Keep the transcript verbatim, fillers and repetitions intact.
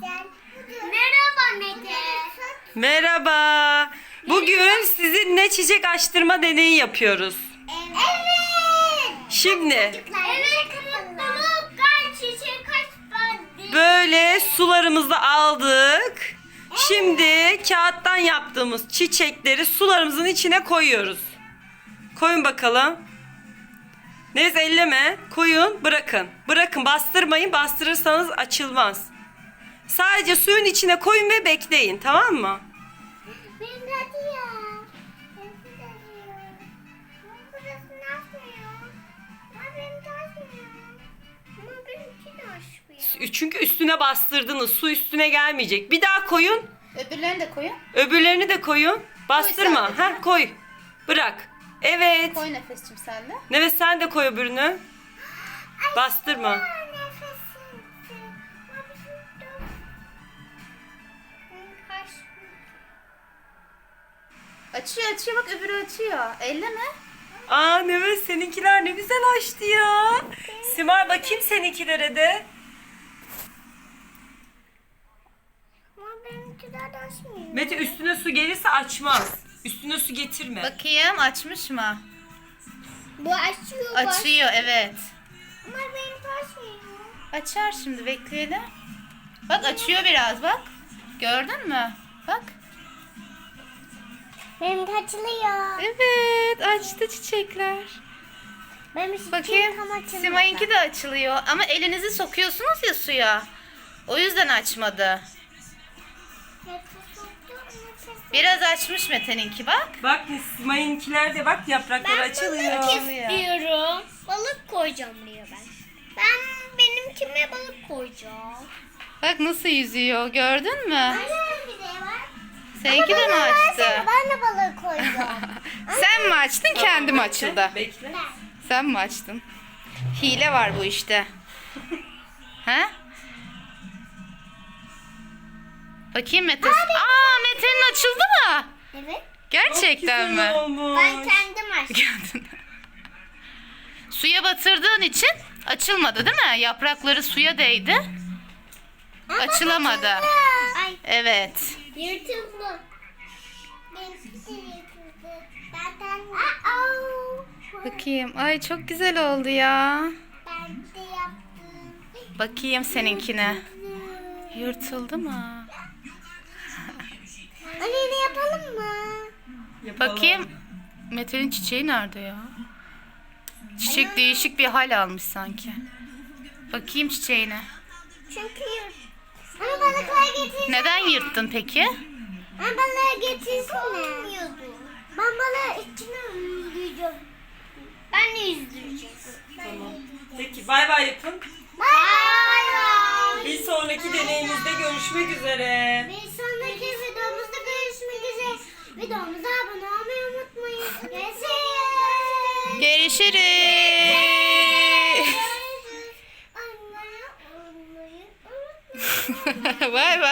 Merhaba Mete. Merhaba. Bugün sizinle çiçek açtırma deneyi yapıyoruz. Evet. Şimdi Evet. Mutluluk kaç çiçek kaç böyle sularımızı aldık. Şimdi kağıttan yaptığımız çiçekleri sularımızın içine koyuyoruz. Koyun bakalım. Neyse elleme. Koyun, bırakın. Bırakın, bastırmayın. Bastırırsanız açılmaz. Sadece suyun içine koyun ve bekleyin, tamam mı? Benim de acıyor. Benim de acıyor. Ama burası nasıl ya? Ama benim de acıyor. Ama benimki de açmıyor. Çünkü üstüne bastırdınız. Su üstüne gelmeyecek. Bir daha koyun. Öbürlerini de koyun. Öbürlerini de koyun. Bastırma. sadece. Ha, koy. Bırak. Evet. Koy Nefes'cim sen de. Nefes sen de koy öbürünü. Bastırma. Nefesim. Ama bizim de- Benim kaçmıyor. Açıyor açıyor bak öbürü açıyor. Elleme. Aa Nefes seninkiler ne güzel açtı ya. Simar bakayım seninkilere de. Ama benimkiler de açmıyor. Mete üstüne su gelirse açmaz. Üstüne su getirme. Bakayım açmış mı? Bu açıyor. bak. Açıyor evet. Ama benimki açmıyor. Açar şimdi bekleyelim. Bak açıyor biraz bak. Gördün mü? Bak. Benimki açılıyor. Evet açtı çiçekler. Benim Bakayım. tam açılmadı. Simay'ınki de açılıyor. Ama elinizi sokuyorsunuz ya suya. O yüzden açmadı. Nefes soktum, nefes- Biraz açmış Mete'ninki bak. Bak Simay'ınkiler de bak yaprakları açılıyor. balık istiyorum. Balık koyacağım buraya ben. Ben benimkime balık koyacağım. Bak nasıl yüzüyor gördün mü? Anne bir de var. Seninki de mi Bana açtı? versene, ben de balık koyacağım. Sen mi açtın kendi mi açıldı? Bekle. Sen mi açtın? Hile var bu işte. He? Bakayım Mete. Aa Mete'nin açıldı mı? Evet. Gerçekten Güzel mi? olmuş. Ben kendim açtım. Gördün mü? Suya batırdığın için açılmadı değil mi? Yaprakları suya değdi. Açılamadı. Ay Evet. yırtıldı. Benimki de yırtıldı. Zaten... Aa, Bakayım. Ay çok güzel oldu ya. ben de yaptım. Bakayım seninkine. Yırtıldı mı? Anne ne yapalım mı? Yapalım. Bakayım. Mete'nin çiçeği nerede ya? Çiçek değişik bir hal almış sanki. Bakayım çiçeğine. Çünkü yırt. Ama balıklar getirsin. Neden yırttın peki? Ama balığı getirsene. Olmuyordu. Ben balığı içine yüzdüreceğim. Ben de yüzdüreceğim. Tamam. Peki bay bay yapın. Bye bye. Bir sonraki deneyimizde görüşmek üzere. Bir sonraki videomuzda görüşmek üzere. Videomuza abone olmayı unutmayın. Görüşürüz. Görüşürüz. Anne olmayı unutmayın. Bay bay.